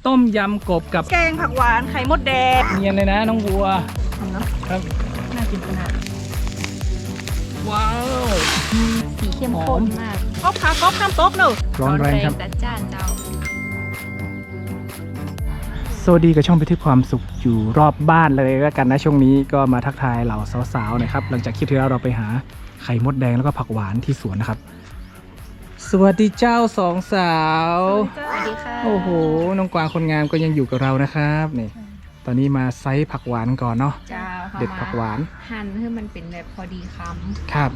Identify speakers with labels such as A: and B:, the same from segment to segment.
A: ต้มยำกบกับ
B: แกงผักหวานไข่มดแดง
A: เนียนเลยนะน้องบัวครับ
B: น่ากินขนาด
A: ว้าว
C: สีเข้มข้นมาก
B: ก๊อบค่ะก๊อบข้ามโต๊ะเนอะ
A: ร้อนแรงครับ
C: จัดจ้านเจ้า
A: สวัสดีกับช่องไปที่ความสุขอยู่รอบบ้านเลยแล้วกันนะช่วงนี้ก็มาทักทายเหล่าสาวๆนะครับหลังจากคลิปที่แล้วเราไปหาไข่มดแดงแล้วก็ผักหวานที่สวนนะครับสวัสดีเจ้าสองสาว
C: สวัสดีค่ะ
A: โอ้โหน้องกวางคนงามก็ยังอยู่กับเรานะครับนี่ตอนนี้มาไซส์ผักหวานก่อนเนาะ
C: เจ้า
A: เด็ดผักหวาน
C: หั่นให้มันเป็นแบบพอดีค
A: ครับ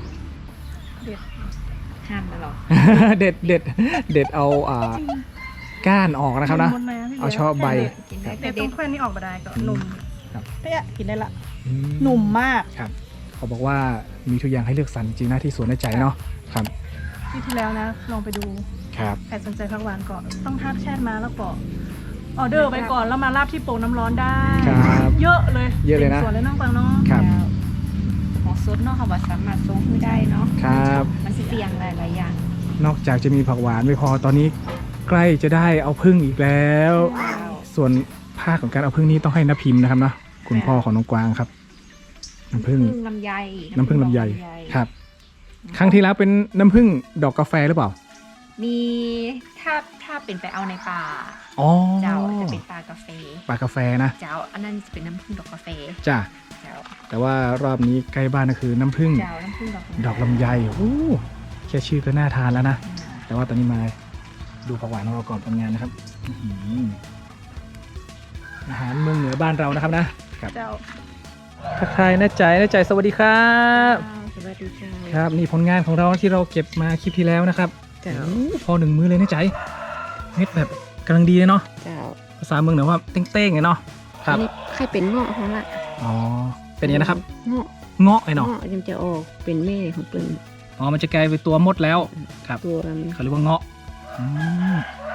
C: ำหั่นนะหรอ
A: เด็ดเด็ดเด็ดเอาก้านออกนะครับนะ
B: มันๆพี่
A: เอาชอบใบ
C: กินได้
B: เด็
C: แต่
B: ดต
C: เด็
B: ร
C: ด
B: งแคว้นนี่ออกมาได้ก็หนุ่ม
A: ครับ
B: เฮ้ยกินได้ละ
A: อื
B: หนุ่มมาก
A: ครับเขาบอกว่ามีทุกอย่างให้เลือกสรรจริงนะที่สวนในใจเนาะครับ
B: ที่แล้วนะลองไปดู
A: ครับ
B: ใครสนใจผักหวานก่อนต้องทักแชทมาแล้วก็ออเดอร์ไปก่อนแล้วมาราบที่โป่งน้ำร้อนได้
A: ครับ
B: เยอะเลย
A: เยอะเลยนะ
B: ส่วนเลยน้องฟังเนาะ
A: ครับ
C: ของซุปเนาะค่ะว่าสามารถทรงขึ้นได้เนาะ
A: ครับ
C: มันเสี่ยงหลายๆอย่าง
A: นอกจากจะมีผักหวานไม่พอตอนนี้ใกล้จะได้เอาพึ่งอีกแล้ว ส่วนภาคของการเอาพึ่งนี้ต้องให้น้าพิมพ์นะครับเนาะคุณพ่อของน้องกวางครับน้ำพึ่ง
C: ลำไย
A: น้ำพึ่งลำไยครับ ครั้งที่แล้วเป็นน้ำพึ่งดอกกาแฟหรือเปล่า
C: มีถ้าเป็นไปเอาในป่า
A: อ๋อ
C: เจ้าจะเป็นป่ากาแฟ
A: ปลากาแฟนะ
C: เจ้าอันนั้นจะเป็นน้ำผึ้งดอกกาแฟ
A: จ้ะ
C: เจ้า
A: แต่ว่ารอบนี้ใกล้บ้านก็คือน้ำพึ่ง
C: เจ้าน้ำผึ้ง
A: ดอกลำไยโอ้แค่ชื่อก็น่าทานแล้วนะ แต่ว่าตอนนี้มาดูผักหวานของเราก่อนทำงานนะครับอื้อหืออาหารเมืองเหนือบ้านเรานะครับนะครับ
B: เจ้า
A: ทักทายน้าใจสวัสดีครับ
C: สวัสดีค่ะ
A: ครับนี่ผลงานของเราที่เราเก็บมาคลิปที่แล้วนะครับ
C: เจ้า
A: โอ้พอหนึ่งมือเลยน้าใจเม็ดแบบกำลังดีเลยเนาะ
C: เจ้า
A: ภาษาเมืองเหนือว่าเต้งๆไงเนาะครับ
C: อันนี้ใครเป็นเงาะของละ
A: อ๋อเป็นยังไงนะครับ
C: เงาะ
A: เงาะไอ้เนาะ
C: เงาะยังจะออกเป็นแม่ของเปิ้น
A: อ๋อมันจะกลายเป็นตัวมดแล้วครับ
C: ตัว
A: เขาเรียกว่าเงาะอืม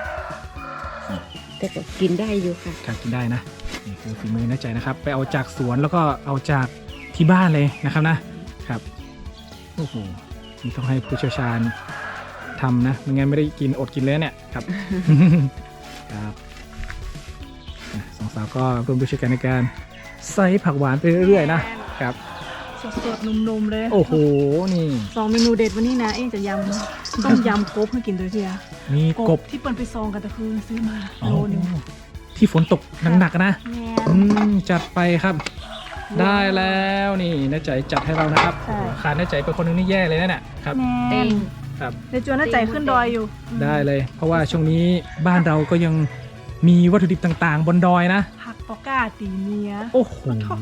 C: แต่ก็กินได้อยู่ค่ะ
A: ครับกินได้นะนี่คือฝีมือน้าใจนะครับ ไปเอาจากสวนแล้วก็เอาจากที่บ้านเลยนะครับนะครับโอ้โหนี่ต้องให้ผู้เชี่ยวชาญทำนะไม่งั้นไม่ได้กินอดกินเลยเนี่ยครับ ครับอ่ะสองสาวก็ร่วมด้วยช่วยกันในการใส่ผักหวานไปเรื่อยๆนะครับ
B: สดๆนุ่มๆเลย
A: โอ้โหนี่
B: สองเมนูเด็ดวันนี้นะเองจะยำต้มยำกบให้กินด้วยเทีย
A: มีกบ
B: ที่เปิ้นไปซองกันแต่คือซื้อมา
A: อ๋อ
B: โลนึง
A: ที่ฝนตกหนักๆนะ
B: แม่
A: จัดไปครับ ได้แล้วนี่น้าใจจัดให้เรานะครับ
B: ใช่
A: ขาดน้าใจเป็นคนหนึงนี่แย่เลยนะเนี่ยครับ
B: แม่
C: เต็ง
A: ครับ
B: เดี๋ยวจวนน่าใจขึ้นดอยอยู่
A: ได้เลย เพราะว่าช่วงนี้บ้านเราก็ยังมีวัตถุดิบต่างๆ บนดอยนะ
B: ผักปอก้าตีเมีย
A: โอ้โห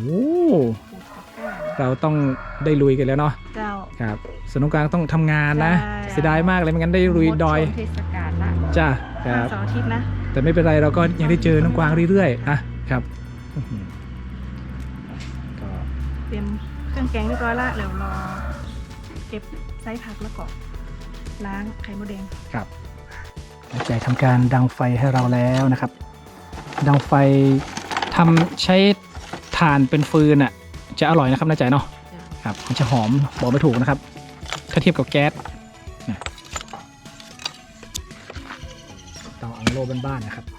A: เราต้องได้ลุยกันแล้วเนาะ
B: เจ้า
A: ครับส่วนน้องกลางต้องทำงานนะ
B: ใช่
A: เสียดายมากเลยไม่งั้นได้ลุยดอย
C: หมช่วงเทศกาลละ
A: จ้าครับ
B: เสาร์อาทิตย์นะ
A: แต่ไม่เป็นไรเราก็ยังได้เจอน้องกวางเรื่อยๆนะครับอื้อหือก็
B: เตรียมเครื่องแกงเรียบร้อยละเดี๋ยวรอเก็บไส้ผักแล้วก็ล้างไข่มดแดง
A: ครับน้าใจทำการดังไฟให้เราแล้วนะครับ ดังไฟทำใช้ถ่านเป็นฟืนอ่ะจะอร่อยนะครับน้าใจเนาะครับมันจะหอมบอกไม่ถูกนะครับถ้าเทียบกับแก๊สนะเตาอังโลบ้านๆนะครับ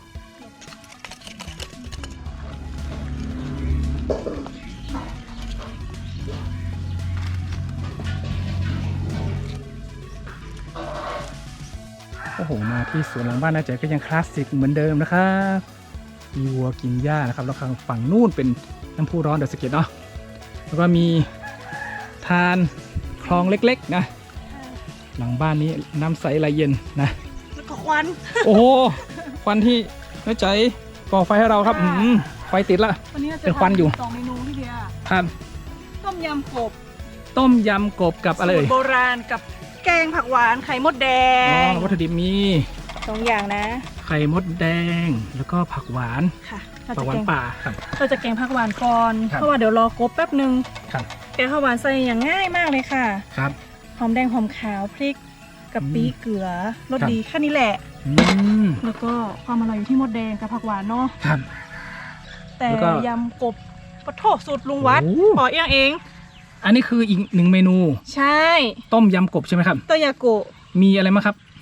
A: โอ้โหมาที่สวนหลังบ้านน้าใจก็ยังคลาสสิกเหมือนเดิมนะครับมีวัวกินหญ้านะครับแล้วข้างฝั่งนู่นเป็นน้ำพุร้อนเดอะสเก็ตเนาะแล้วก็มีทานคลองเล็กๆนะหลังบ้านนี้น้ำใสไหลเย็นนะ
B: แล้วก็ควัน
A: โอ้โหควันที่น้าใจก่อไฟให้เราครับไฟติดละ
B: วันนี้ราจะ
A: เป็นควันอยู่
B: ทำสองเมนูพี่เดีย
A: ครับ
B: ต้มยำกบ
A: ต้มยำกบกับอะไร
B: สู
A: เอ่
B: ต
A: ย
B: รโบราณกับแกงผักหวานไข่มดแด
A: อ๋อง วัตถุดิบมี
B: สองอย่างนะ
A: ไข่มดแดงแล้วก็ผักหวาน
B: ค่ะเรา
A: ผั
B: จะ
A: กหวา
B: แก
A: น
B: ง
A: ป่าครับ
B: เราจะแกงผักหวานก่อน
A: ครับ
B: เพราะว่าเดี๋ยวรอกบแป๊บนึง
A: ครับ
B: แกงผักหวานใส่อย่างง่ายมากเลยค่ะ
A: ครับ
B: หอมแดงหอมขาวพริกกะปิ
A: อืม
B: เกลือรส
A: ครับ
B: ดีแค่นี้แหละ
A: อืม
B: แล้วก็ความอร่อยอยู่ที่มดแดงกับผักหวานเนาะ
A: ครับ
B: แต่
A: แล้วก็
B: ยำกบปะโถสูตรลุงวัด
A: โอ้
B: ขอเอง
A: อันนี้คืออีกหนึ่งเมนู
B: ใช่
A: ต้มยำกบใช่ไหมครับ
B: โตยาโกะ
A: มีอะไรบ้างครับ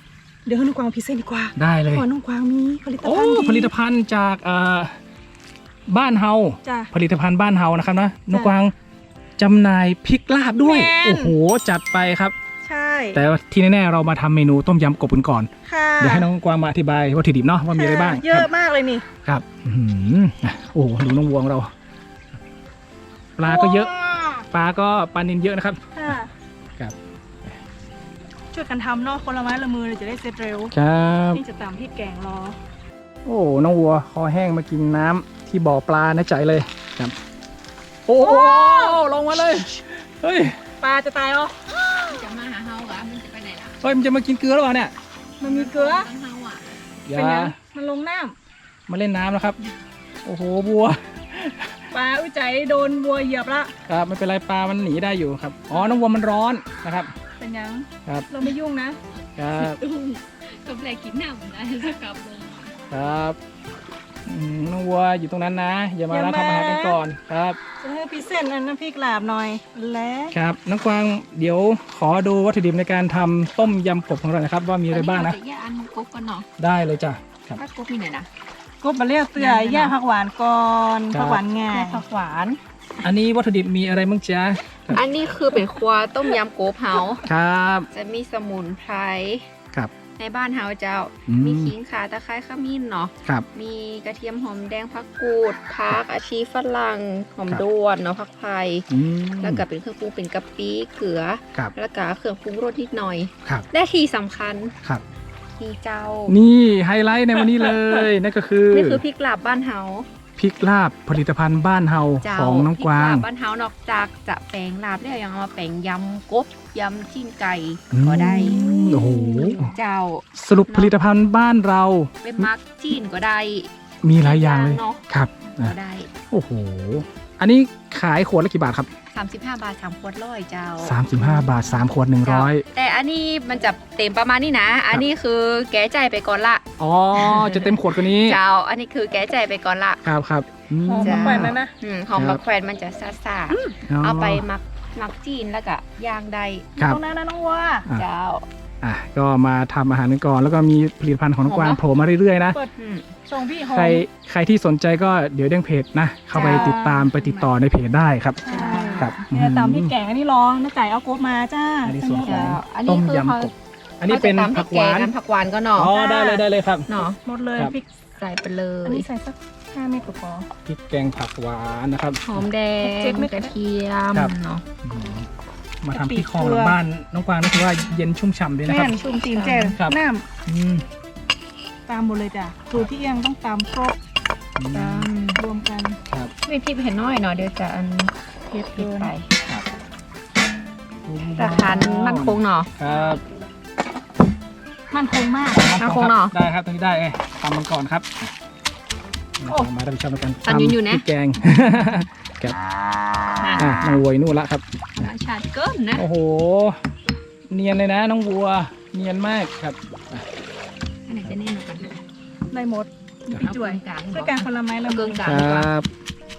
B: เดี๋ยวให้น้องกวางพรีเซนต์ดีกว่า
A: ได้เลย
B: เพราะน้องกวางมีผลิต
A: โอ้
B: ภัณฑ์ดี
A: ผลิตภัณฑ์จากบ้านเฮา
B: จ้ะ
A: ผลิตภัณฑ์บ้านเฮานะครับนะน้องกวางจำหน่ายพริกลาบด้วย
B: แม่น
A: โอ้โหจัดไปครับ
B: ใช่
A: แต่ว่าที่แน่ๆเรามาทำเมนูต้มยำกบกันก่อน
B: ค่ะ
A: เดี๋ยวให้น้องกวางมาอธิบายวัตถุดิบเนาะว่ามีอะไรบ้าง
B: เยอะมากเลยนี่
A: ครับอื้อหือโอ้โหดูน้องวัวของเรา ปลาก็เยอะ ปลาก็ปลานิลเยอะนะครับ
B: ค่ะ
A: ครับ
B: ช่วยกันทำเนาะคนละไม้ละมือเลยจะได้เสร็จเร็ว
A: ครับ
B: นี่จะตำพริกแกงรอ
A: โอ้น้องวัวคอแห้งมากินน้ำที่บ่อปลานะใจเลยครับ โอ้โหลงมาเลยเฮ้ย
B: ปลาจะตายอ๋อ
C: จะมาหาเฮาอ่ะมันจะไปไหนล่ะ
A: เฮ้ยมันจะมากินเกลือหรือเปล่าเนี่ย
B: มันมีเกลือ
C: เฮาอ่ะ
A: อย่า
B: เป็นยังมันลงน้
A: มาเล่นน้ำแล้วครับ โอ้โหบัว
B: ำปลาอุ้ยใจโดนบัวเหยียบละ
A: ครับไม่เป็นไรปลามันหนีได้อยู่ครับอ๋อน้องวัวมันร้อนนะครับ
B: เป็นยัง
A: ครับ
B: เราไม่ยุ่งนะครับ
C: กำไรกินน้ำนะจะกลับลง
A: ครับน้องวัวอยู่ตรงนั้นนะ อย่ามานะทำอาหารกันก่อนครับ
B: จะให้พิเศษอันน้ำพริกลาบหน่อยและ
A: ครับน้องกวางเดี๋ยวขอดูวัตถุดิบในการทำต้มยำกบของเรานะครับ ว่ามีอะไรบ้างนะ
C: จะแยกอันกบกันเนาะ
A: ได้เลยจ้ะครับ
C: ถ้ากบมีไหนนะ
B: กบมาเรียกเตือย่าผักหวานก่อน
A: ครับ
B: ผักหวานง่ายผักหวาน
A: อันนี้วัตถุดิบมีอะไรบ้างจ๊ะครับ
C: อันนี้คือเป็นครัวต้มยำกบเฮา
A: ครับ
C: จะมีสมุนไพร
A: ครับ
C: ในบ้านเฮาเจ้า มีขิงข่าตะไคร้ขมิ้นเนาะ
A: ครับ
C: มีกระเทียมหอมแดงผักกูดผักอาชีฝรั่งหอมด้วนเนาะผักไผ่
A: อืม
C: แล้วก็เป็นเครื่องปรุงเป็นกะปิเกลือ
A: ครับ
C: แล้วก็เครื่องปรุงรสนิดหน่อย
A: ครับ
C: และที่สำคัญ
A: ครับ
C: มีเจ้า
A: นี่ไฮไลท์ในวันนี้เลยนั่นก็คือ
C: นี่คือพริกลาบบ้านเฮา
A: พริกลาบผลิตภัณฑ์บ้านเฮา
C: เจ้า
A: ของน้องกวาง
C: พริลาบบ้านเฮานอกจากจะแปลงลาบแล้วยังเอามาแปลงยำกบยำจิ้นไก่
A: อืม
C: ก็ได้
A: โอ้โห
C: เจ้า
A: สรุปผลิตภัณฑ์บ้านเรา
C: เป็นมักจิ้นก็ได้
A: มีหลายอย่างเลย
C: เนาะ
A: ครับ
C: ก็
A: อ่ะ
C: ได้
A: โอ้โหอันนี้ขายขวดละกี่บาทครับ
C: 35 บาท3ขวดร้อยเจ้า
A: 35 บาท 3 ขวด 100
C: แต่อันนี้มันจะเต็มประมาณนี้นะ อันนี้คือแก้ใจายไปก่อนละ
A: อ๋อ จะเต็มขวดกว่านี้
C: เจ้า อันนี้คือแก้ใจายไปก่อนละ
A: ครับครับอืม
B: หอม
C: จ้ะ
B: มะแขวนนั่นนะ
C: หอมบักแควนมันจะซ่าๆเอาไปมักจีนแล้วก็ย่างได้
A: ครับ
B: ตรงนั้นนะน้องวัว
A: อ่ะ
C: เจ้า
A: อ่ะก็มาทำอาหารกันก่อน แล้วก็มีผลิตภัณฑ์ของน้องกวาง
C: หอมปะ
A: โผล่มาเรื่อยๆนะ
B: เปิด
C: อืม
B: ส่งพี่หอม
A: ใครที่สนใจก็เดี๋ยวเด้งเพจนะ เข้าไปติดตามไปติดต่อในเพจได้ครับ
B: ใช่
A: ครับ
B: เนี่ยตำพริกแกงอันนี้ลองน้าไก่เอากบมาจ้า
A: อันนี้ส่วนของ
C: เจ้า อัน
A: ต้
C: นี้
A: ม
C: คือเขา
A: ยำกบอันนี้เป็น
C: เขาจะตำ
A: ผักหวาน
C: พริแกงผักหวานก็เนาะ
A: อ๋อได้เลยครับ
C: เนาะ
B: หมดเลย
A: ครับ
B: พริก
C: ใส่ไปเล
B: อัน
C: ย
B: นี้ใส่สัก5 เม็ดก็พอ
A: พริกแกงผักหวานนะครับ
C: หอมแด
B: เจ็
C: ง
B: ดเม็ด
C: กระเทียม
A: ครับ
C: เนาะ
A: อืมมาทำที่คลองหลังบ้านน้องกวางนี่คือว่าเย็นชุ่มฉ่ำดีนะค
B: แม่
A: รับ
B: นชุ่มตีนแจ่ว
A: ครับ
B: น้
A: อืม
B: ำตามหมดเลยจ้ะสูตรที่ยังต้องตามครบ
A: อืม
C: ตาม
B: รวมกัน
A: ครับ
C: ไม่พริกเห็นน้อยเนาะเดี๋ยวจะอัน
B: เผ็ด
C: พริ
B: เกิ
C: ก
B: น
C: ไป
A: ครับ
C: แต่ทานมันคงเนาะ
A: ครับ
B: มันคงมาก
C: เอาคงเนาะ
A: ได้ครับตรงนี้ได้ทำมันก่อนครับ
B: โอ้
A: มารับผิดชอบในการ
C: ตำอยู่ๆนะ
A: พริกแกง ครับน้องวัวอยู่นู่นละครับ
C: ธรรมชาติเกินนะ
A: โอ้โห เนียนเลยนะน้องวัว เนียนมากครับ
C: อันไหนจะแน่นกว่ากัน
B: ได้หมดมีพี่จ่วย
C: กลาง
B: ช่วยกันคนละไม้ละ
C: เกิ
B: มือน
C: กลา
A: ค
C: ง
A: ร
C: ดีกว่า
A: ับ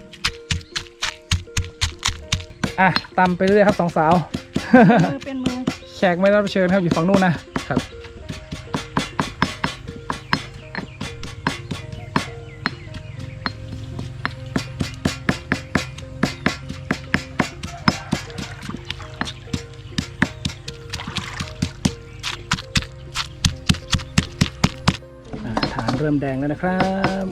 A: อ่ะตำไปเรื่อยครับสองสาว
B: มือเป็นมือ
A: แขกไม่รับเชิญครับอยู่ฝั่งนู้นนะครับ ฐานเริ่มแดงแล้วนะครับ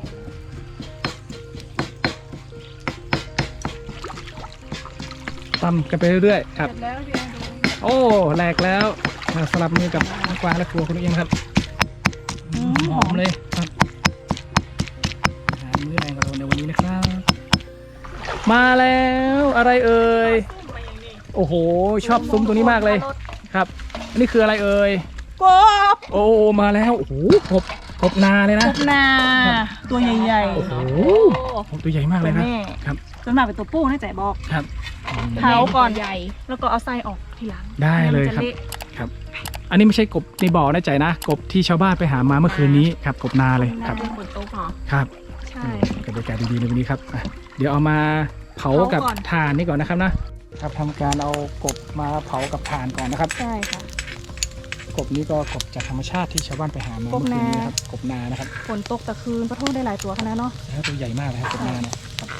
A: ตำกันไปเรื่อยๆครับ
B: เสร็จแล้วพี่แอนดู
A: โอ้แหลกแล้วมาสลับมือกับน้องกวางและครัวคุณเอียงครับหอมเลยครับอาหารมื้อแรงของเราในวันนี้นะครับ มาแล้วอะไรเอ่ยโอ้โหชอบซุ้มตรงนี้มากเลยครับ อันนี้คืออะไรเอ่ย
B: กบ
A: โอ้มาแล้วโอ้โหกบนาเลย
B: ก
A: นะ
B: บนาตัวใหญ่
A: โอ้โหกบตัวใหญ่มาก
B: ๆ
A: เล
B: ตั
A: ยว นะ
B: แม่
A: ครับ
B: ส่วนมากเป็นตัวผู้นะแจ๋บอก
A: ครับ
B: เผาก่อน
C: ใหญ่
B: แล้วก็เอาไส้ออกทีหลัง
A: ได้เลย
B: มัน
A: ครับ
B: จะะ
A: ครับ อันนี้ไม่ใช่กบในบ่อนะใจนะกบที่ชาวบ้านไปหามาเมื่อคืนนี้ครับกบนาเลยครับ
C: เป็นฝนตกเหรอ
A: ครับ
B: ใช่
A: กับบรรยากาศดีๆในวันนี้ครับอ่ะเดี๋ยวเอามาเผากับ
B: เผาก่อน
A: ถ่านนี่ก่อนนะครับนะครับทำการเอากบมาเผากับถ่านก่อนนะครับ
B: ใช่ค่ะ
A: กกบนี้ก็กบจากธรรมชาติที่ชาวบ้านไปหามา
B: กบ
A: เมื่อคืนนี้
B: นา
A: นะครับกบนานะครับ
B: ฝนตกตะคืนปะโทษได้หลายตัวขนาดเนาะ
A: แล้วตัวใหญ่มากเลยครับกบนาเนี่ยครับ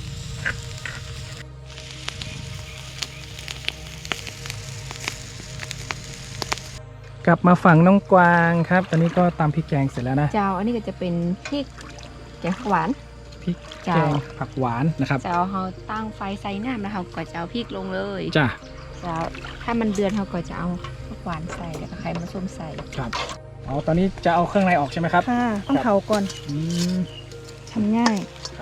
A: กลับมาฝั่งน้องกวางครับตอนนี้ก็ตำพริกแกงเสร็จแล้วนะ
C: เจ้าอันนี้ก็จะเป็นพริกแกงหวาน
A: พริก
C: จ้า
A: แกงผักหวานนะครับ
C: เจ้าเราตั้งไฟใส่น้ำแล้วเราก็จะเอาพริกลงเลย
A: จ้ะ
C: เจ้าถ้ามันเดือดเราก็จะเอาผักหวานใส่แล้วก็ไข่มาส้มใส่
A: ครับอ๋อตอนนี้จะเอาเครื่องในออกใช่ไหมครับ
B: ค่ะต้องเผาก่อน
A: อืม
B: ทำง่าย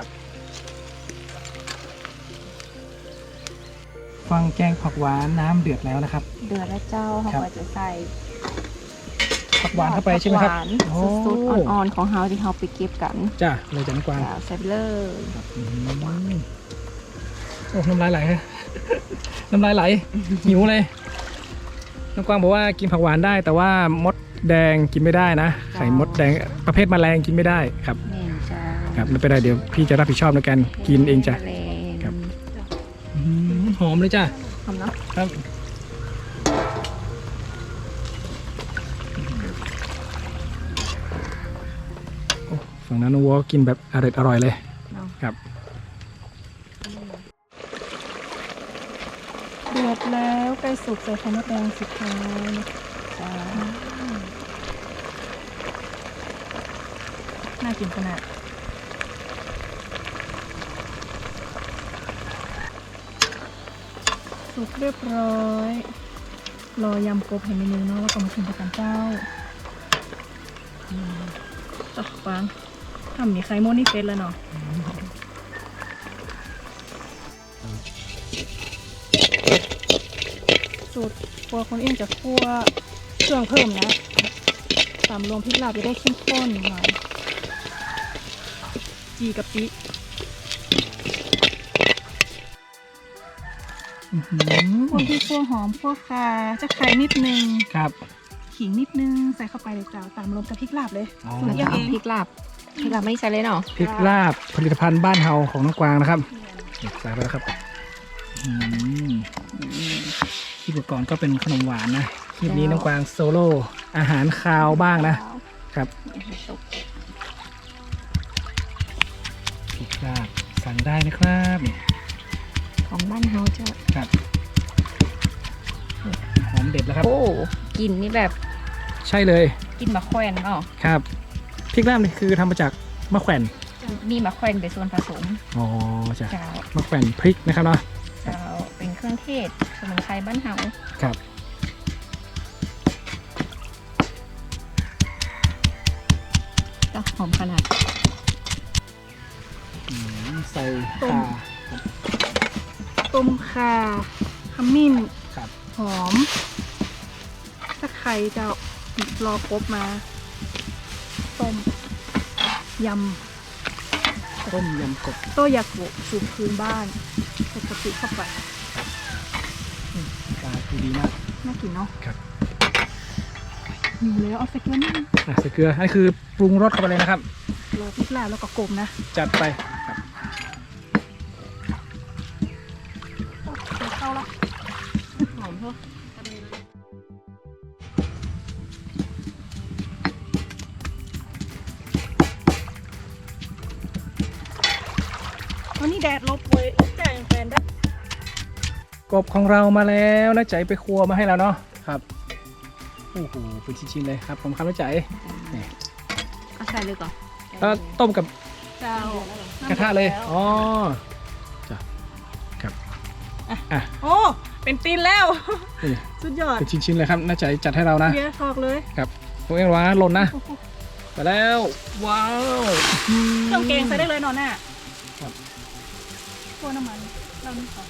A: ฟังแกงผักหวานน้ำเดือดแล้วนะครับ
C: เดือดแล้วเจ้าเรา
A: ครับ
C: ก็จะใส่
A: ผักหวานเข้าไปใช่ไหมครับ
C: ผักหวาน
A: โอ้
C: สุดๆอ่อนๆของเราที่เราไปเก็บกัน
A: จ้ะเลยจากน้องกวาง
C: เจ้าใส่ไปเลย
A: ครับอืมโอ้น้ำลายไหลฮะ น้ำลายไหลหิวเลยน้องกวางบอกว่ากินผักหวานได้ แต่ว่ามดแดงกินไม่ได้นะไข่มดแดงประเภทแมลงกินไม่ได้ครับ
C: นี่จ้า
A: ครับไม่เป็นไรเดี๋ยวพี่จะรับผิดชอบในการกินเองจ้ะ
C: แมลง
A: ครับ อืมหอมเลยจ้ะ
C: หอมเนาะ
A: ครับโอ้ฝั่งนั้นน้องวัวกินแบบอร่อยเลย
C: เนาะ
A: ครับ
B: เดือดแล้วใกล้สุกใส่ไข่มดแดงสุดท้ายจ้าน่ากินขนาดสุกเรียบร้อย รอยำกบให้เมนูเนาะแล้วก็มาชิมกันเจ้าตักฟังทำมีไข่มดนี่เฟ็ดแล้วเนาะสูตรครัวคนเองจะคั่วเครื่องเพิ่มนะตามรวมพริกลาบจะได้เข้มข้นหน่อยจีกะปิ
A: อื้อหื
B: คั่ว
A: อ
B: พริกคั่วหอมคั่วข่าจะไข่นิดนึง
A: ครับ
B: ขิงนิดนึงใส่เข้าไปเลยจ้าตามรวมกับพริกลาบเลย
A: อ๋อ
B: สูต
C: เรา
B: ร
C: จะ
B: ยัง
C: เอา
B: เอง
C: พริกลาบไม่ใส่เลยเนาะ
A: พริกลาบผลิตภัณฑ์บ้านเฮาของน้องกวางนะครับใส่ไปแล้วครับอืมคลิปก่อนก็เป็นขนมหวานนะคลิปนี้น้องกวางโซโล่อาหารคาวบ้างนะครับพริกลาบสั่งได้นะครับ
C: ของบ้านเฮาจะ
A: ครับหอมเด็ดแล้วครับ
C: โอ้กลิ่นนี่แบบ
A: ใช่เลย
C: กลิ่นมะแขวนเนาะ
A: ครับพริกลาบนี่คือทำมาจากมะแขวน
C: มีมะแขวนเป็นส่วนผสม
A: อ๋อจ้ะ
C: เจ้าม
A: ะแขวนพริกนะครับเนาะ
C: เจ้าเป็นเครื่องเทศสมุนไพรบ้านเฮา
A: ครับ
C: ก็หอมขนาด
A: ใส่
B: ต้ม
A: ข่า
B: ต้มข่าขมิ้น
A: ครับ
B: หอมตะไคร้จะรอกบมา ต้มย
A: ต้มยำกบ
B: ำโต้ยากุสูตรพื้นบ้านใส่กะปิเข้าไป
A: ปลาคือดีมาก
B: น่ากินเนาะ
A: ครับ
B: หิวแล้วเอาใส่เกลือนิดนึง
A: ใส่เกลืออันนี้คือปรุงรสเข้าไปเลยนะครับ
B: รอพริกลาบแล้วก็กลมนะ
A: จัดไปครับ
B: เดี๋ยวเข้าละ
C: หอมเท่า
B: วันนี้แดดลบเว้ยแจ้งแฟนได้
A: กบของเรามาแล้วน้าใจไปครัวมาให้แล้วเนาะครับโอ้โหเป็นชิ้นๆเลยครับผมครับน้าใจ
C: เอาใส่เลยก่อน
A: แล้วต้มกับ
B: เจ้าก
A: ระทะเลยอ๋อจ้ะครับอ่ะ
B: โอ้เป็นตีนแล้ว
A: นี่
B: สุดยอด
A: เป็นชิ้นๆเลยครับน้าใจจัดให้เรานะ
B: เบียร์ทอกเลย
A: ครับพวกเอ็งว่าหล่นนะไปแล้วว้าว
B: เครื่องแกงใส่ได้เลยเนอนน่ะ
A: ครับ
B: คั่วน้ำมันเรานี่ขอ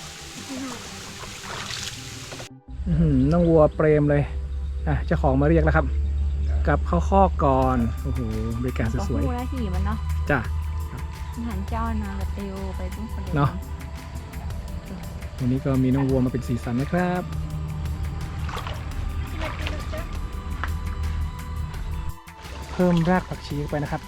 A: อื้อหือน้องวัวเปรมเลยอ่ะเจ้าของมาเรียกแล้วครับกลับเข้าคอกก่อนโอ้โหบริการ
C: ก็
A: สวย
C: คู่แล้วที่มันเนาะ
A: ๆจ้ะ
C: อาหารเจ้านาแบบเตียวไปตุ้งคนเดียว
A: เนาะ วันนี้ก็มีน้องวัวมาเป็นสีสันนะครับ เพิ่มรากผักชีเข้าไปนะครับ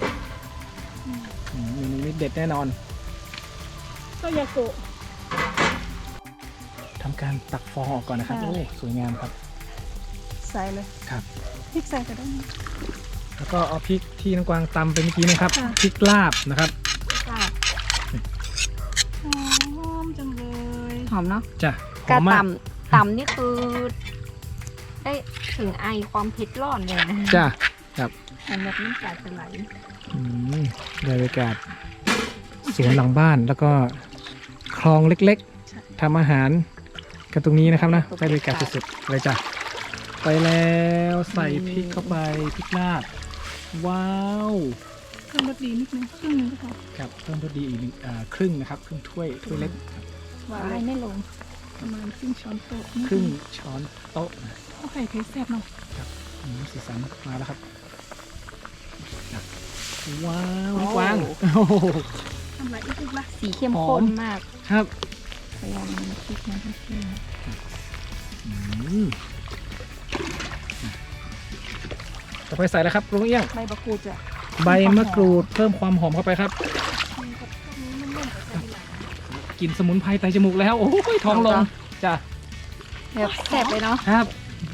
A: เมนูนี้เด็ดแน่นอน
B: ก็ยากุ
A: ทำการตักฟองออกก่อนนะครับ
B: ค่ะ
A: โอ้สวยงามครับ
B: ใส่เลย
A: ครับ
B: พริกใส่ก็ได้นะ
A: แล้วก็เอาพริกที่น้องกวางตำไปเมื่อกี้นะครับ
B: ค่ะ
A: พริกลาบนะครับ
C: จ้า
B: หอมจังเลย
C: หอมเนาะ
A: จ้ะห
C: ก
A: อ
C: ระ
A: มมาก
C: ต่ำนี่คือ ได้ถึงไอความเผ็ดร้อนเลยนะ
A: จ้ะครับ
C: มันแบบน้ำตาจะไหล
A: อืมได้บรรยากาศสวนหลังบ้านแล้วก็คลองเล็กๆทำอาหารกันตรงนี้นะครับนะได้บรรยากาศสุดๆเลยจ้ะไปแล้วใส่พริกเข้าไปพริกลาบว้าว
B: เพิ่มรสดีนิดนึงครึ่งนึงก็พอ
A: ครับเพิ่มรสดีอีกครึ่งนะครับครึ่งถ้วยเล็กครับ
B: หวาน
C: ไอ
B: เลย
C: ไม่ลง
B: ประมาณครึ่งช้อนโต๊ะ
A: ครึ่งช้อนโต๊ะนะ
B: เอาไข่เทสแซ่บเนาะ
A: สีสันมาแล้วครับว้าวน้องกวางโอ้โห
B: ทำไรอีกละ
C: สีเข้มข้นมาก
A: ครับ
C: พยายามพริกนะพี่
A: อืมต่อไปใส่แล้วครับลุงเอี้ยง
B: ใบมะกรูดจ้ะ
A: ใบมะกรูดเพิ่มความหอมเข้าไปครับกลิ่นสมุนไพรไตจมูกแล้วโอ้ยท้องลงจ้ะ
C: แบบแซ่บเลยเนาะ
A: ครับ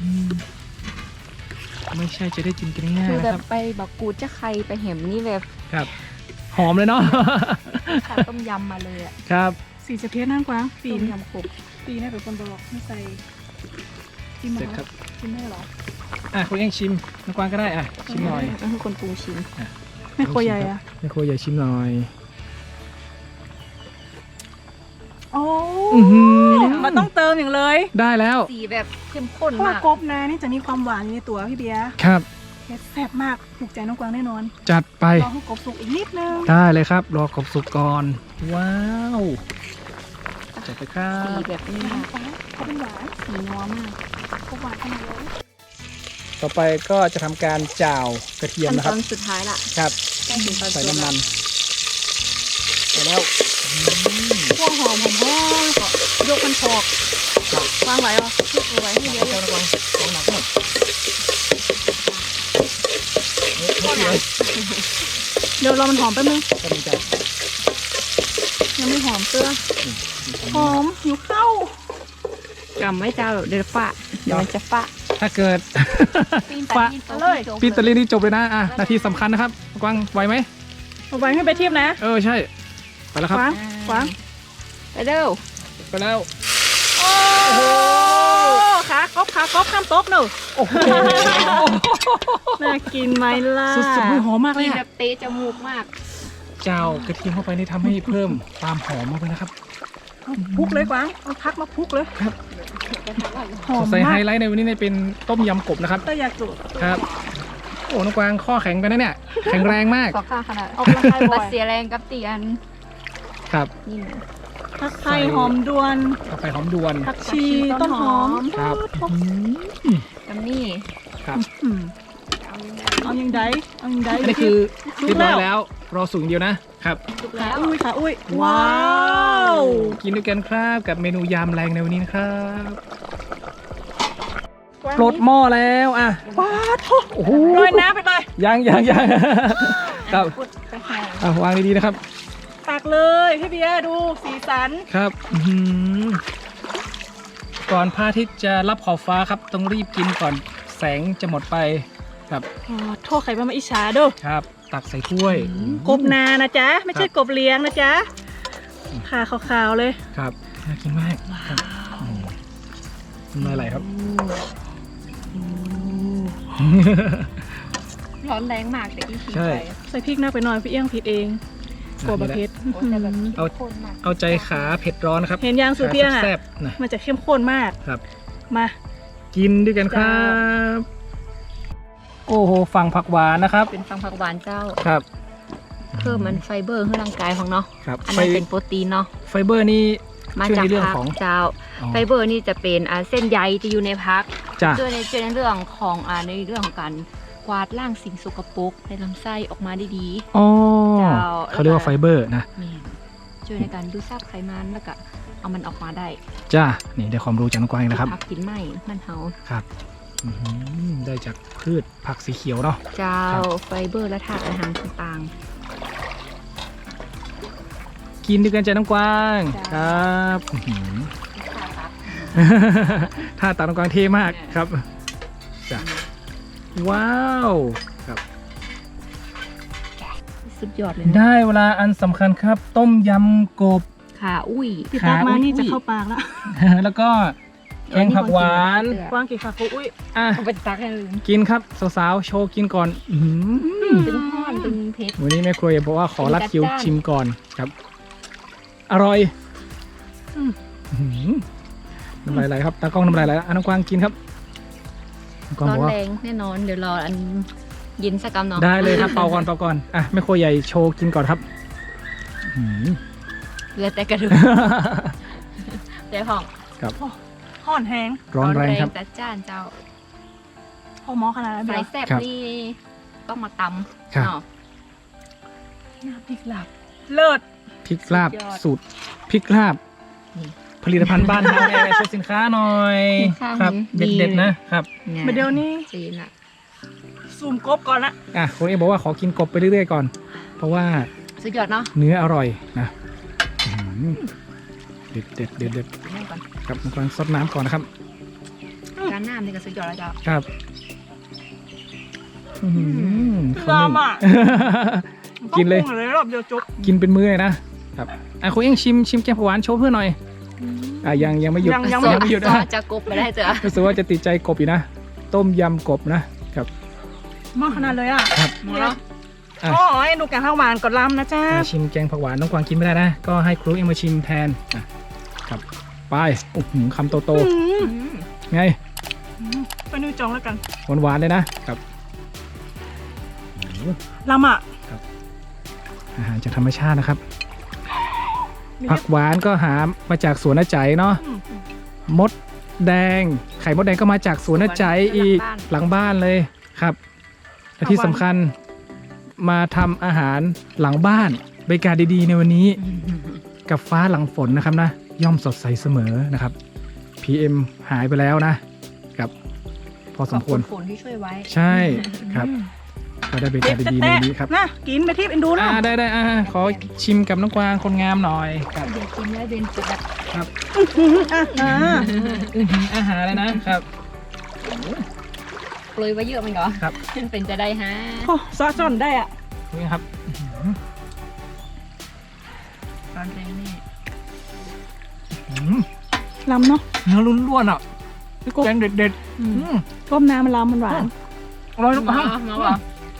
A: ไม่ใช่จะได้กินกันง่าย
C: คือ
A: ๆ
C: แบ
A: นะ
C: บ
A: ครับ
C: ไปบักกูดจะใครไปเห็มนี่แบบ
A: ครับ หอมเลยเนาะ
C: ขาต้มยำมาเลยอะ
A: ครับ
B: สีจะเทสนั่งกวางปี
C: ต้ม
B: น
C: ยำขบ
B: ปีนี่เป็นคนบอกไม่ใส่กิน
A: เสร็จ
B: ไหม
A: ครับ
B: กินได้เหรอ
A: คุณเอี้ยงชิมน้องกวางก็ได้ชิมหน่อย
C: นั่นคือคนปรุงชิม
B: ไม่โครัวใหญ่อะ
A: แม่ครัวใหญ่ชิมหน่อย
B: โอ้
A: อื้อหือ
B: มันต้องเติมอย่างเลย
A: ได้แล้ว
C: สีแบบเข้มข้น
B: เพราะว่าม
C: าก
B: กบนานี่จะมีความหวานอยู่ในตัวพี่เบียร์
A: ครับ
B: เทสแซ่บมากถูกใจน้องกวางแน่นอน
A: จัดไป
B: รอให้กบสุกอีกนิดนึง
A: ได้เลยครับ รอกบสุกก่อน ว้าว จัดไปครั
C: สี
A: บ
C: แบบนี้มาก
B: เขาเป็นหวาน
C: สีนัวมาก
B: กบหวานขนาดเลย
A: ต่อไปก็จะทำการจ่าวกระเทียม
C: ขั้น
A: นะค
C: ต
A: รั
C: อบ นสุดท้ายละ
A: ครับ
C: ใกล้ถึงตอน
A: ใส่
C: เจียว
A: น้ำมั
C: ละ
A: นไปแล้ว
B: พวกหอมก็ยกมันพอกวางไว้เหรอชุบเอาไว้ให้เยอะ
A: เจ้าระวังของหนักหมด
B: เดี๋ยวรอมันหอมแป๊บนึง
A: ก็มีใจ
B: ยังไม่หอมเตื้อหอมหิวข้าว
C: กำไว้เจ้าเดี๋ยวฝะเดี๋ยวมันจะฝะ
A: ถ้าเกิด
C: ปีน
A: ฝะ
C: ปีน
A: ปีนตะลีนี่จบเลยนะนาทีสำคัญนะครับกวางไหวไหม
B: เอาไว้ให้ไปเทียบนะ
A: ใช่ ไปแล้วครับ
B: กวางกวาง
C: ไปเร็ว
A: ไปแล้ว
B: โอ้โหขากบข้ามโต๊ะหนู
A: โอ้โห
B: น่ากินไหมล่ะ
A: สุดๆหอมมากเล
C: กิ
A: ย
C: นแบ
A: อะ
C: บเตะจมูกมาก
A: เจ้ากระเทียมเข้าไปนี่ทำให้เพิ่มความหอมมากเลยนะครับ
B: เอาพุกเลยกวางเอาพักมาพุกเลยหอม
A: ใส่ไฮ
B: มาก
A: ไลท์ในวันนี้เป็นต้มยำกบนะครับ
B: ก็อยากจุด
A: ครับ โอ้น้องกวางข้อแข็งไปนะเนี่ย แข็งแรงมาก
C: สองข้างขนาด
B: ออกกำลังกายบ่
C: มา
B: อย
C: เสียแรงกับเตียน
A: ครับ
C: นี่นะ
B: ผักไทยหอมดวน
A: ต่อไปหอมดวน
B: ผักชีต้นหอม
A: ครับ
C: กับนี่
A: ครับ
B: อืม
C: เอายังไง
B: เอายังไดเอายังได
A: อันนี้คือเรียบร้อยแล้ว รอสูงเดียวนะครับ
C: สุก
B: ขา
C: แล้ว
B: อุ้ยขาอุ้ยว้าว
A: กินด้วยกันครับกับเมนูยำแรงในวันนี้นะครับปลดหม้อแล้วอ่ะ
B: ว้าวโถ
A: โอ้โห
B: โรยน้ำไปเลย
A: ยังครับ
C: พูดไปให้
A: วางดีๆนะครับ
B: ตักเลยพี่เบียร์ดูสีสัน
A: ครับอื้อหือก่อนพระอาทิตย์จะรับขอบฟ้าครับ ต้องรีบกินก่อนแสงจะหมดไปครับ
B: อ๋อโทษใครมาอิจฉาเด้อ
A: ครับ ตักใส่ถ้วย
B: กบนานะจ๊ะ ไม่ใช่กบเลี้ยงนะจ๊ะขาขาวๆเลย
A: ครับน่ากินมากครับน้ำลายไหลครับ
C: ร้อนแรงมากแต่ที่ทิ้ง
A: ใช่
C: ไป
B: ใส่พริกหน้าไปหน่อยพี่เอี้ยงผิดเองกลัวบะเพ็ด
C: โอ้แต่แบบ
A: เอา
C: ข้นมาก
A: เอาใจขาเผ็ดร้อนนะครับ
B: เห็นยางสูตรพี่เอี้ยงอ่ะ
A: แซ่บๆนะ
B: มันจะเข้มข้นมาก
A: ครับ
B: มา
A: กินด้วยกันครับ โอ้โหฝั่งผักหวานนะครับ
C: เป็นฟังผักหวานเจ้า
A: ครับ
C: เพิ่มมันไฟเบอร์ให้ร่างกายของเนาะ
A: ครับ
C: อัน
A: ไฟ
C: นั้นเป็นโปรตีนเนาะ
A: ไฟเบอร์นี่
C: มา
A: ช่วย
C: จาก
A: ในเรื่อง
C: ผัก
A: ของ
C: เจ้า
A: อ๋อ
C: ไฟเบอร์นี่จะเป็นเส้นใยจะอยู่ในพัก
A: จ้ะ
C: ช่วยในเรื่องของในเรื่องของการกวาดล้างสิ่งสกปรกในลำไส้ออกมาได้ดี
A: อ๋อ
C: เจ้า
A: เขาเรียกว่าไฟเบอร์นะ
C: แม่นช่วยในการดูดซับไขมันแล้วก็เอามันออกมาได้
A: จ้านี่ได้ความรู้จากน้องกวางอีกนะครับ
C: ผักกินไหมมันเฮา
A: ครับอื้อหือได้จากพืชผักสีเขียวเนาะ
C: เจ้า
A: ครับ
C: ไฟเบอร์และธาตุอาหารต่าง
A: กินด้วยกันจ้ะน้องกวาง
C: จ้า
A: ครับอื้อหือ
C: ๆ
A: ท่าตาน้องกวางเท่มากครับจ้ะว้าวครับ
C: สุดยอดเลยนะ
A: ได้เวลาอันสำคัญครับ ต้มยำกบ
C: ขาอุ้ย
B: พี่ตักมานี่
A: อุ้ย
B: จะเข้าปากแล้ว
A: แล้วก็แกงผักหวาน
B: กว้างกี่ขาโอุ้ย
A: อ่ะ
C: เอาไปตักให้ลืม
A: กินครับสาวๆโชว์กินก่อนอื้อหือ
C: ตึงห้อนตึงเพชร
A: วันนี้แม่ครัวบอกว่าขอรัดคิว
C: จัดจ้าน
A: ชิมก่อนครับ อร่อยอื้อหือน้ำลายไหลครับตากล้องน้ำลายไหลแล้วอ่ะน้องกวางกินครับน้องกวาง
C: ร้อบ น
A: อกว่า
C: แรงแน่นอนเดี๋ยวรออันเย็นสักกำเนาะ
A: ได้เลยครับเป่าก่อนเป่าก่อนอ่ะแม่ครัวใหญ่โชว์กินก่อนครับอื้อหือ
C: เหลือแต่กระดูกเดี๋ยวของ
A: ครับ
B: ห่อนแห้ง
A: ร้อนแรงครับ
C: จัดจ้านเจ้า
B: พอหมอขนาดนั้น
C: สา
B: เดี
C: ย
B: ยว
C: แซ่บ
A: ครับ
C: นี่ต้องมาตำ
A: ครับ
C: เนาะ
B: น้ำพริกหลับเลิศ
A: พริกลาบ
C: สุดยอด
A: สูตรพริกลาบ
C: นี่
A: ผลิตภัณฑ์บ้านเราแม่โชว์สินค้าหน่อย
C: สินค้า
A: ครับ
C: ดี
A: เด็ดๆนะครับ
B: มาเดี๋ยวนี้
C: จีนอะ
B: ซูมกบก่อนละ
A: อ่ะคนเอบอกว่าขอกินกบไปเรื่อยๆก่อน เพราะว่า
C: สุดยอดเนาะ
A: เนื้ออร่อยนะอื้อหือเด็ดเด็ดเด็ดเด็ด
C: นั่งก่อน
A: ครับน้องกวางซดน้ำก่อนนะครับ
C: การน้ำนี่ก็สุดยอดแล้วเจ้า
A: ครับอื้อหือ
B: ลามอ่ะ
A: กินเลย
B: ต้องปรุงเลยรอบเดียวจบ
A: กินเป็นมื้อเลยนะครับอ่ะคุณเอ็งชิมแกงผักหวานโชว์เพื่อนหน่อยอ่ะยังไม่หยุด
B: ยังไม่
A: ไม่หยุด
C: ซอ
A: นะ
C: จะกบไปได้เจ้า
A: รู้สึกว่าจะติดใจกบอยู่นะ ต้มยำกบนะครับ
B: มากขนาดเลยอ่ะ
A: ครับ
C: หมดแล้ว
A: อ่ะ
B: โอ้ยดูแกงข้าวหวานกดลำนะจ้า
A: ชิมแกงผักหวานน้องกวางกินไม่ได้นะ ก็ให้ครูเอ็งมาชิมแทนอ่ะครับไปโอ้โหคำโต
B: อืม
A: ๆไง
B: ไปนิวจองแล้วกัน
A: หวานๆเลยนะครับโอ้โห
B: ลำอ่ะ
A: อาหารจากธรรมชาตินะครับ
B: มี
A: ผักหวานก็หามาจากสวนน้าใจเนาะ
B: อืม
A: มดแดง ไข่มดแดงก็มาจากสวนน้าใจอีกหลังบ้านเลยครับและที่สำคัญมาทำอาหารหลังบ้านบรรยากาศดีๆในวันนี้กับฟ้าหลังฝนนะครับนะย่อมสดใสเสมอนะครับ PM หายไปแล้วนะครับ พอสมควร
C: ขอบณที่ช่วยไว้
A: ใช่ครับก็ได้บรรยากาศดีๆในวันนี้ครับ
B: นะกินไปที่เอ็นดูนะ
A: ได้ขอชิมกับน้องกวางคนงามหน่อยครับ
C: เดี๋ยวกินแล้วเดินจะแบบ
A: อาหารเลยนะครับ
C: โปรยไว้เยอะมันก็
A: ครับ
C: เป็นจะได้ฮะ
B: โอ้ซอสจอนได้อ่ะ
A: นี่ครับ
C: ร้อนแรงแน่
B: ลำเนาะ
A: เนื้อล้วนๆอ่ะแกงเด็ด
B: ต้มน้ำมันลำมันหวาน
A: ๆอร่อยน้องกวาง
C: มาบอก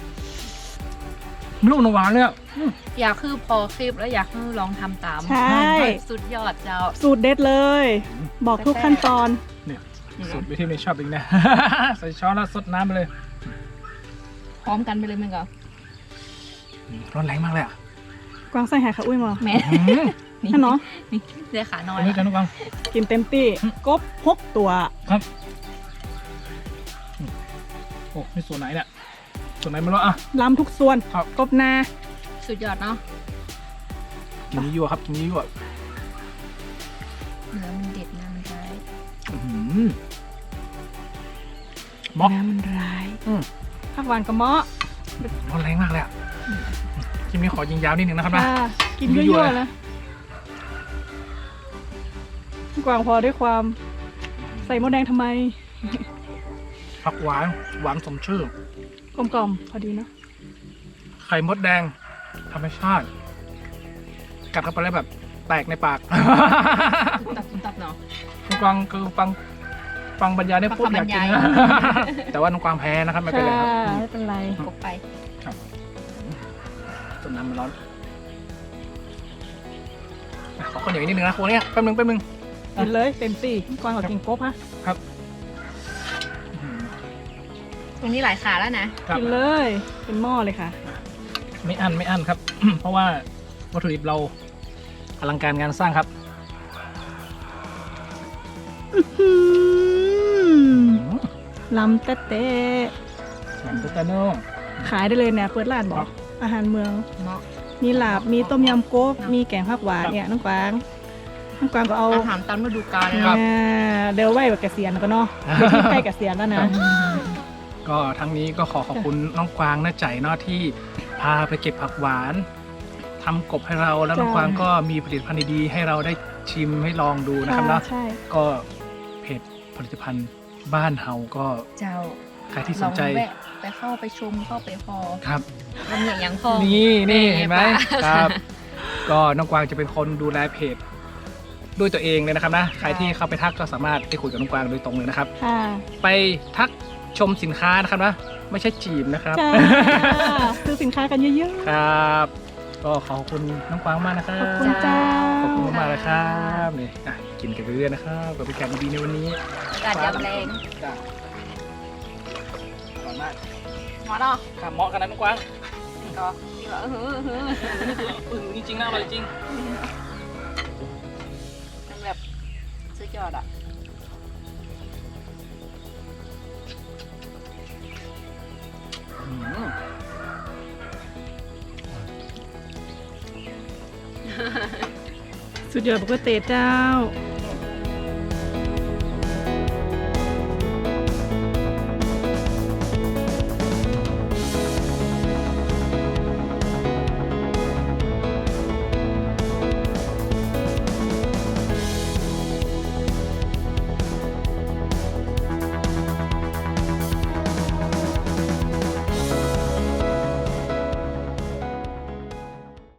A: ลูกหวานเลยอ่ะ
C: อยากคือพอคลิปแล้วอยากให้ลองทำตาม
B: ใช่
C: สุดยอดเจ้า
B: สูตรเด็ดเลย บอกทุกขั้นตอน
A: สูตรวิธีนี้ชอบอีกนะ ใส่ช้อนแล้วสดน้ำไปเลย
C: พร้อมกันไปเลยมันก็
A: ร้อนแรงมากเลยอ่ะ
B: กวางใส่หายขาอุ้ยมา
C: แม่
B: ท่านเนาะ
C: นี่เดี๋ยวขาน้อ
A: อั
C: ย
A: นนี้กันน้องกวาง
B: กินเต็มที่กบ6 ตัว
A: ครับโอ้นี่ส่วนไหนเนี่ยส่วนไหนไม่รู้อ่ะ
B: ลำทุกส่วน
A: ครับ
B: กบนา
C: สุดยอดเนาะ
A: กินยั่วครับกินยั่ว
C: เนื้อมันเด็ดนะมันร้าย
A: ม็อก
B: น้ำมันร้าย
A: อืม
B: ผักหวานกับเมาะ
A: ร้อนแรงมากเลยอ่ะคลิปนี้ขอยิงยาวนิดนึงนะครับนะ
B: ค่ะกิน
A: ยั่
B: ยั่
A: ว
B: ว
A: ๆ
B: ๆนะกวางพอด้วยความใส่มดแดงทำไม
A: ผักหวานหวานสมชื่อ
B: กลมๆพอดีเนาะ
A: ไข่มดแดงธรรมชาติ กัดเข้าไปแล้วแบบแตกในปาก
C: ตับเนาะ
A: น้องกวางคือฟังบรรยายได้พูดอยากกิน
C: ฟังคำบรร
A: นะ
C: ยาย
A: แต่ว่าน้องกวางแพ้นะครับไม่เป็นไรครับ
B: ค่ะไม่เป็นไร
C: กบไป
A: ต้นน้ำมันร้อนอ่ะขอข้าวเหนียวอีกนิดนึงนะครัวเนี่ยแป๊บนึง
B: กินเลยเต็มที่กวางกับกินกบฮะ
C: ตรงนี้หลายขาแล้วนะ
A: ครับ
B: กินเลย เป็นหม้อเลยค่ะ
A: ไม่อั้นครับ เพราะว่าวัตถุดิบเราอลังการงานสร้างครับ
B: ลำเต๊ะ
A: หลังตุ๊กตาโน่
B: ๆขายได้เลยเนี่ยเปิดร้านบอกอาหารเมือง
C: เนาะ
B: มีลาบ มีต้มยำกบ มีแกงผักหวานเนี่ยน้องกวางก็เอา
C: อาหารตามฤดูกาลเลย
A: ครั
C: เนาะ
A: บ
B: เดี๋ยวไหวแบบเกษียณแล้วก็เนาะเดี๋ยวที่ใกล้เกษียณแล้วนะ
A: ก็ทั้งนี้ก็ขอบคุณน้องกวางน้าใจเนาะที่พาไปเก็บผักหวานทำกบให้เราแล้วน้อง
B: จ้า
A: กวางก็มีผลิตภัณฑ์ดีๆให้เราได้ชิมให้ลองดูนะครับเนาะ
B: ใช่
A: ก็เพจผลิตภัณฑ์บ้านเฮาก็
C: เจ้า
A: ใครที่ส
C: ลอน ง
A: ใจ
C: แวะไปเข้าไปชมเข้าไปพอ
A: ครับ
C: มันเนี่ยยังพอ
A: นี่เห็นไหม
C: ปะ
A: ครับ ก็น้องกวางจะเป็นคนดูแลเพจด้วยตัวเองเลยนะครับนะใครที่เข้าไปทักก็สามารถได้คุยกับน้องกวางโดยตรงเลยนะครับ
B: ค่ะ
A: ไปทักชมสินค้านะครับนะไม่ใช่จีบนะครับ
B: จ้าซื้อสินค้ากันเยอะ
A: ครับ ก็ขอบคุณน้องกวางมากนะครั
B: ๆ ข
A: บ
B: อบคุณเจ้า
A: ขอบคุณมากๆเลยครับนี่กินกันไปเรื่อยๆนะครับกับพิการดีๆในวันนี้
C: อากาศยามแรง
A: จ้ะอร่อยมาก
C: หมอเนาะ
A: ข้ามเหมาะกันนะน้องกวาง
C: ก็ที่ว่า
A: จริงๆนะอร่อยจริง
C: มันแบบสุดยอดอ่ะ
B: สุดยอดบุกเตเจ้า